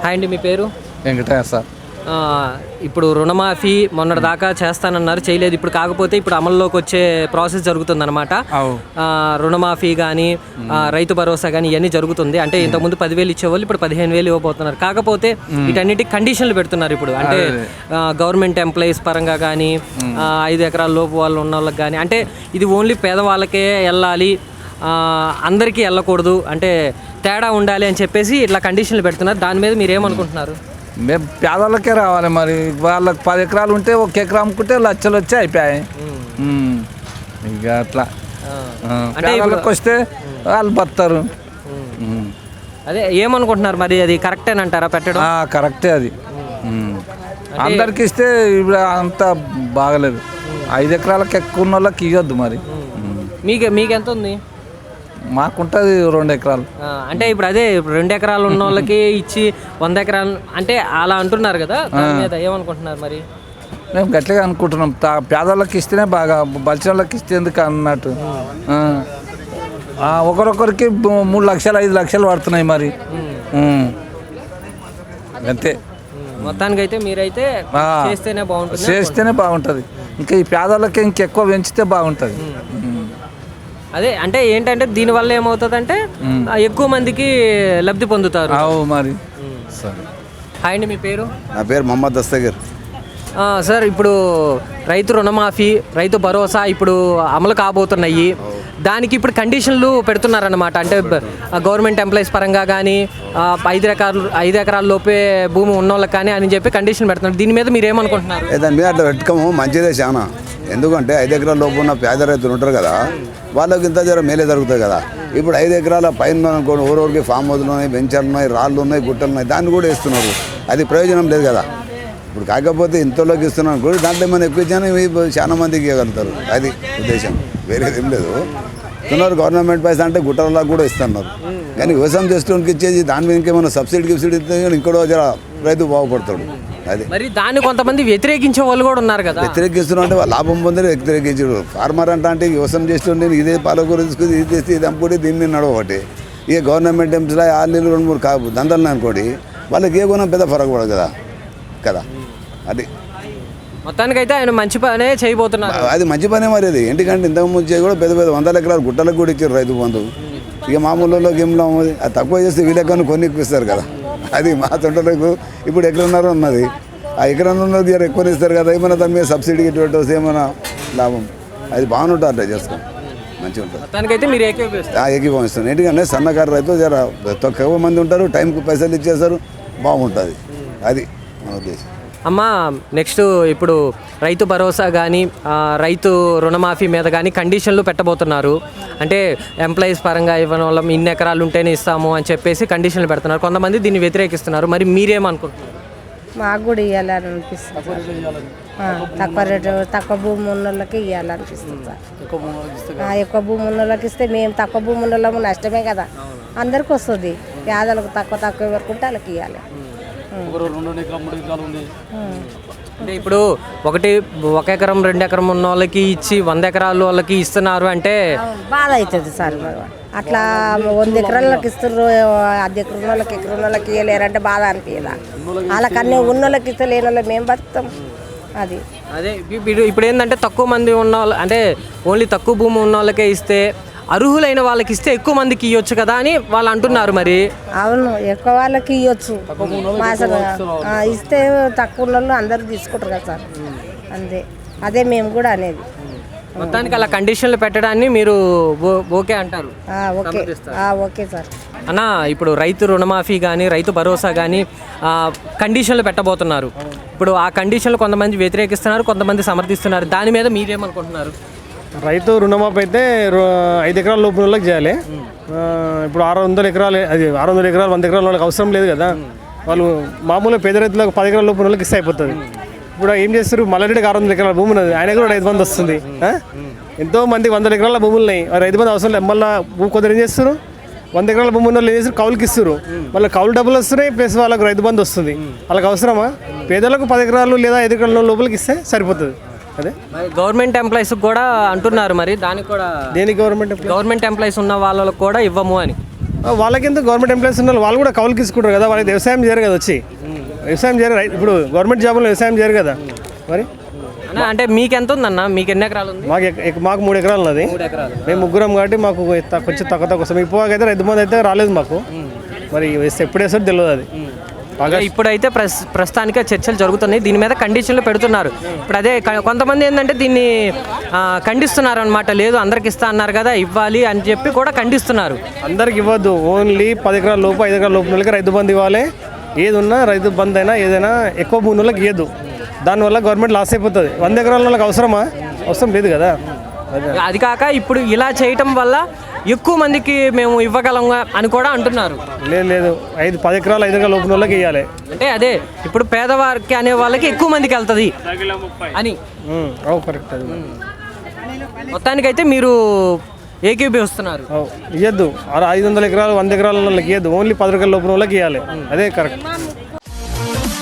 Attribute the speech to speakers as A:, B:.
A: Hi అండి, మీ పేరు?
B: వెంకటయ్య సార్.
A: ఇప్పుడు రుణమాఫీ మొన్నటి దాకా చేస్తానన్నారు, చేయలేదు. ఇప్పుడు కాకపోతే ఇప్పుడు అమల్లోకి వచ్చే ప్రాసెస్ జరుగుతుందన్నమాట. రుణమాఫీ కానీ రైతు భరోసా కానీ ఇవన్నీ జరుగుతుంది. అంటే ఇంతకుముందు 10,000 ఇచ్చేవాళ్ళు ఇప్పుడు 15,000 ఇవ్వబోతున్నారు. కాకపోతే వీటన్నిటికి కండిషన్లు పెడుతున్నారు ఇప్పుడు. అంటే గవర్నమెంట్ ఎంప్లాయీస్ పరంగా కానీ 5 ఎకరాల లోపు వాళ్ళు ఉన్న వాళ్ళకి కానీ, అంటే ఇది ఓన్లీ పేదవాళ్ళకే వెళ్ళాలి, అందరికీ వెళ్ళకూడదు, అంటే తేడా ఉండాలి అని చెప్పేసి ఇట్లా కండిషన్లు పెడుతున్నారు. దాని మీద మీరు ఏమనుకుంటున్నారు?
B: మేము పేదవాళ్ళకే రావాలి. మరి వాళ్ళకి 10 ఎకరాలు ఉంటే 1 ఎకరా అమ్ముకుంటే లక్షలు వచ్చి అయిపోయాయి. ఇక అట్లా పేదవాళ్ళకి వస్తే వాళ్ళు బతారు.
A: అదే ఏమనుకుంటున్నారు మరి? అది కరెక్టేనంటారా పెట్టడం?
B: కరెక్టే. అది అందరికి ఇస్తే ఇప్పుడు అంత బాగలేదు. 5 ఎకరాలకు ఎక్కువ ఉన్న వాళ్ళకి ఇవ్వద్దు. మరి
A: మీకు ఎంత ఉంది?
B: మాకుంటుంది 2 ఎకరాలు.
A: అంటే ఇప్పుడు అదే 2 ఎకరాలు ఉన్న వాళ్ళకి ఇచ్చి 100 ఎకరాలు అంటే అలా అంటున్నారు కదా, దాని మీద ఏమనుకుంటున్నారు మరి?
B: మేము గట్టిగా అనుకుంటున్నాం, పేదవాళ్ళకి ఇస్తేనే బాగా, బలిసిన వాళ్ళకి ఇస్తే ఎందుకు అన్నట్టు. ఒకరొకరికి 3 లక్షలు 5 లక్షలు పడుతున్నాయి. మరి అంతే.
A: మొత్తానికి అయితే మీరైతే
B: చేస్తేనే బాగుంటుంది. ఇంకా ఈ పేదవాళ్ళకి ఇంకెక్కువ పెంచితే బాగుంటుంది.
A: అదే అంటే ఏంటంటే దీనివల్ల ఏమవుతుందంటే ఎక్కువ మందికి లబ్ధి పొందుతారు.
B: మరి
A: హాయ్ అండి, మీ పేరు?
C: నా పేరు మొహమ్మద్ దస్తగీర్
A: సార్. ఇప్పుడు రైతు రుణమాఫీ, రైతు భరోసా ఇప్పుడు అమలు కాబోతున్నాయి. దానికి ఇప్పుడు కండిషన్లు పెడుతున్నారన్నమాట. అంటే గవర్నమెంట్ ఎంప్లాయీస్ పరంగా కానీ 5 ఎకరాల లోపే భూమి ఉన్న వాళ్ళకి కానీ అని చెప్పి కండిషన్ పెడుతున్నారు. దీని మీద మీరు ఏమనుకుంటున్నారు?
C: దాని మీద అట్లా పెట్టుకోము, మంచిదే చాలా. ఎందుకంటే 5 ఎకరాల లోపు ఉన్న పేద రైతులు ఉంటారు కదా, వాళ్ళకి ఇంత జర మేలే జరుగుతుంది కదా. ఇప్పుడు 5 ఎకరాల పైన అనుకోండి, ఊరికి ఫామ్ హౌస్లు ఉన్నాయి, వెంచర్లు ఉన్నాయి, రాళ్ళు ఉన్నాయి, గుట్టలు ఉన్నాయి, దాన్ని కూడా ఇస్తున్నారు. అది ప్రయోజనం లేదు కదా. ఇప్పుడు కాకపోతే ఇంతలోకి ఇస్తున్నాను కూడా దాంట్లో ఏమైనా ఎక్కువ ఇచ్చాను చాలా మందికి ఇవ్వగలుగుతారు. అది ఉద్దేశం, వేరేది ఏం లేదు. ఇస్తున్నారు గవర్నమెంట్ పైసా అంటే గుట్టలకు కూడా ఇస్తున్నారు. కానీ వ్యవసాయం చేసేవానికి ఇచ్చేది దాని మీద ఇంకేమైనా సబ్సిడీ ఇస్తే ఇంకోటో జర రైతు బాగుపడతాడు. అది
A: మరి దాన్ని కొంతమంది వ్యతిరేకించే వాళ్ళు కూడా ఉన్నారు కదా.
C: వ్యతిరేకిస్తున్నా అంటే లాభం పొందని వ్యతిరేకించాడు. ఫార్మర్ అంటే వ్యవసాయం చేస్తుంటే ఇదే పాలకూర తీసుకుని ఇది తెస్తే ఇది అమ్ముకుంటే దీని మీద నడవబట్టి ఇక గవర్నమెంట్ ఎంప్లాయీ 6 నెలలు 2-3 దందలు అనుకోండి, వాళ్ళకి ఏ కొనం పెద్ద ఫరక పడదు కదా కదా. అది
A: మొత్తానికైతే ఆయన మంచి పనే చేయబోతున్నారు.
C: అది మంచి పనే. మరి అది ఎందుకంటే ఇంతకుముందు కూడా పెద్ద 100 ఎకరాలు గుట్టలకు కూడా ఇచ్చారు రైతు బంధు. ఇక మామూలులో గేమ్లో అది తక్కువ చేస్తే వీళ్ళకన్నా కొన్ని ఇప్పిస్తారు కదా. అది మా తొంటలకు ఇప్పుడు ఎకరన్నర ఉన్నది, ఆ ఎకరన్నర ఎక్కువ ఇస్తారు కదా. ఏమైనా దాని మీద సబ్సిడీ ఇటువంటి ఏమైనా లాభం, అది బాగుంటుంది. అట్లా చేసుకోండి, మంచిగా ఉంటుంది.
A: మొత్తానికైతే మీరు
C: ఏకీభవిస్తాను. ఎందుకంటే సన్నకారు రైతు జర తక్కువ మంది ఉంటారు, టైంకి పైసలు ఇచ్చేస్తారు, బాగుంటుంది. అది మన ఉద్దేశం.
A: అమ్మ, నెక్స్ట్ ఇప్పుడు రైతు భరోసా కానీ రైతు రుణమాఫీ మీద కానీ కండిషన్లు పెట్టబోతున్నారు. అంటే ఎంప్లాయీస్ పరంగా ఇవ్వడం వల్ల ఇన్ని ఎకరాలు ఉంటేనే ఇస్తాము అని చెప్పేసి కండిషన్లు పెడుతున్నారు. కొంతమంది దీన్ని వ్యతిరేకిస్తున్నారు. మరి మీరేమనుకుంటున్నారు?
D: మాకు కూడా ఇవ్వాలని అనిపిస్తుంది. తక్కువ రేటు, తక్కువ భూమి ఉన్న వాళ్ళకి ఇవ్వాలనిపిస్తుంది సార్. ఎక్కువ భూమి ఉన్న వాళ్ళకి ఇస్తే మేము తక్కువ భూమి ఉన్న వాళ్ళము నష్టమే కదా. అందరికి వస్తుంది. పేదలకు తక్కువ వరకు ఉంటే వాళ్ళకి ఇవ్వాలి.
A: అంటే ఇప్పుడు 1 ఎకరం 2 ఎకరం ఉన్న వాళ్ళకి ఇచ్చి 100 ఎకరాలు వాళ్ళకి ఇస్తున్నారు అంటే
D: బాధ అవుతుంది సార్. అట్లా 100 ఎకరాలకి ఇస్తున్నారు, 10 ఎకరం వాళ్ళకి ఎకరం వాళ్ళకి ఇవ్వలేరంటే బాధ అనిపించదా? వాళ్ళకన్నీ ఉన్న వాళ్ళకి ఇస్తే లేని వాళ్ళకి మేము బతుకుతాం. అది
A: అదే ఇప్పుడు ఏంటంటే తక్కువ మంది ఉన్న వాళ్ళు, అంటే ఓన్లీ తక్కువ భూమి ఉన్న వాళ్ళకే ఇస్తే అర్హులైన వాళ్ళకి ఇస్తే ఎక్కువ మందికి ఇవ్వచ్చు కదా అని వాళ్ళు అంటున్నారు. మరి
D: అవును, ఎక్కువ వాళ్ళకి ఇవ్వచ్చు. ఇస్తే తక్కువ వాళ్ళు అందరూ తీసుకుంటారు కదా సార్. అంతే, అదే మేము కూడా అనేది.
A: మొత్తానికి అలా కండిషన్లు పెట్టడాన్ని మీరు ఓకే అంటారు?
D: Okay sir.
A: అన్న, ఇప్పుడు రైతు రుణమాఫీ కానీ రైతు భరోసా కానీ కండిషన్లు పెట్టబోతున్నారు. ఇప్పుడు ఆ కండిషన్లు కొంతమంది వ్యతిరేకిస్తున్నారు, కొంతమంది సమర్థిస్తున్నారు. దాని మీద మీరేమనుకుంటున్నారు?
E: రైతు రుణమాఫీ అయితే 5 ఎకరాల లోపు వాళ్ళకి చేయాలి. ఇప్పుడు 600 ఎకరాలు, అది 600 ఎకరాలు 100 ఎకరాల వాళ్ళకి అవసరం లేదు కదా. వాళ్ళు మామూలుగా పేద రైతులకు 10 ఎకరాల లోపు వాళ్ళకి ఇస్తే అయిపోతుంది. ఇప్పుడు ఏం చేస్తారు, మల్లారెడ్డికి 600 ఎకరాల భూమి ఉన్నది, ఆయన కూడా రైతు బంధు వస్తుంది. ఎంతో మంది 100 ఎకరాల భూములు ఉన్నాయి, రైతు బంధు అవసరం లేదు. మళ్ళీ కొందరు ఏం చేస్తారు, 100 ఎకరాల భూమి ఉన్న వాళ్ళు ఏం చేస్తారు, కౌలుకి ఇస్తారు. మళ్ళీ కౌలు డబ్బులు వస్తున్నాయి, ప్లస్ వాళ్ళకి రైతు బంధు వస్తుంది. వాళ్ళకి అవసరమా? పేదలకు 10 ఎకరాలు లేదా 5 ఎకరాల లోపలికి ఇస్తే సరిపోతుంది. అదే
A: గవర్నమెంట్ ఎంప్లాయీస్ కూడా అంటున్నారు. మరి దానికి కూడా
E: దేనికి గవర్నమెంట్
A: ఎంప్లాయీస్ ఉన్న వాళ్ళకు కూడా ఇవ్వము అని
E: వాళ్ళకింత గవర్నమెంట్ ఎంప్లాయీస్ ఉన్నారు, వాళ్ళు కూడా కౌలుకి తీసుకుంటారు కదా, వాళ్ళకి వ్యవసాయం చేయరు కదా, వచ్చి వ్యవసాయం చేయరు. ఇప్పుడు గవర్నమెంట్ జాబులో వ్యవసాయం చేయరు కదా మరి.
A: అంటే మీకు ఎంత ఉందన్న, మీకు ఎన్ని ఎకరాలు ఉంది?
E: మాకు 3 ఎకరాలు ఉన్నది. మేము ముగ్గురం కాబట్టి మాకు కొంచెం తక్కువ వస్తాం. ఇప్పుడు అయితే రైతు బంధు అయితే రాలేదు మాకు, మరి ఎప్పుడు వేస్తారో తెలియదు అది.
A: ఇప్పుడైతే ప్రస్తుతానికి చర్చలు జరుగుతున్నాయి, దీని మీద కండిషన్లు పెడుతున్నారు. ఇప్పుడు అదే కొంతమంది ఏంటంటే దీన్ని ఖండిస్తున్నారు అనమాట. లేదు అందరికి ఇస్తా అన్నారు కదా, ఇవ్వాలి అని చెప్పి కూడా ఖండిస్తున్నారు.
E: అందరికి ఇవ్వద్దు, ఓన్లీ 10 ఎకరాల లోపు 5 ఎకరాల లోపు నెలకి రైతు బంధు ఇవ్వాలి. ఏది ఉన్నా రైతు బంధు అయినా ఏదైనా ఎక్కువ భూమి వాళ్ళకి ఇవ్వద్దు, దానివల్ల గవర్నమెంట్ లాస్ అయిపోతుంది. 100 ఎకరాల వాళ్ళకి అవసరమా? అవసరం లేదు కదా.
A: అది కాక ఇప్పుడు ఇలా చేయటం వల్ల ఎక్కువ మందికి మేము ఇవ్వగలం అని కూడా అంటున్నారు.
E: లేదు 10 ఎకరాలు 5 ఎకరాల లోపు వాళ్ళకి ఇవ్వాలి.
A: అంటే అదే ఇప్పుడు పేదవారికి అనే వాళ్ళకి ఎక్కువ మందికి వెళ్తుంది అని.
E: కరెక్ట్. అది
A: మొత్తానికైతే మీరు ఏకీభవిస్తున్నారు.
E: ఇవ్వద్దు, 500 ఎకరాలు 100 ఎకరాల వాళ్ళకి ఇవ్వద్దు, ఓన్లీ 10 ఎకరాల లోపు వాళ్ళకి ఇవ్వాలి. అదే కరెక్ట్.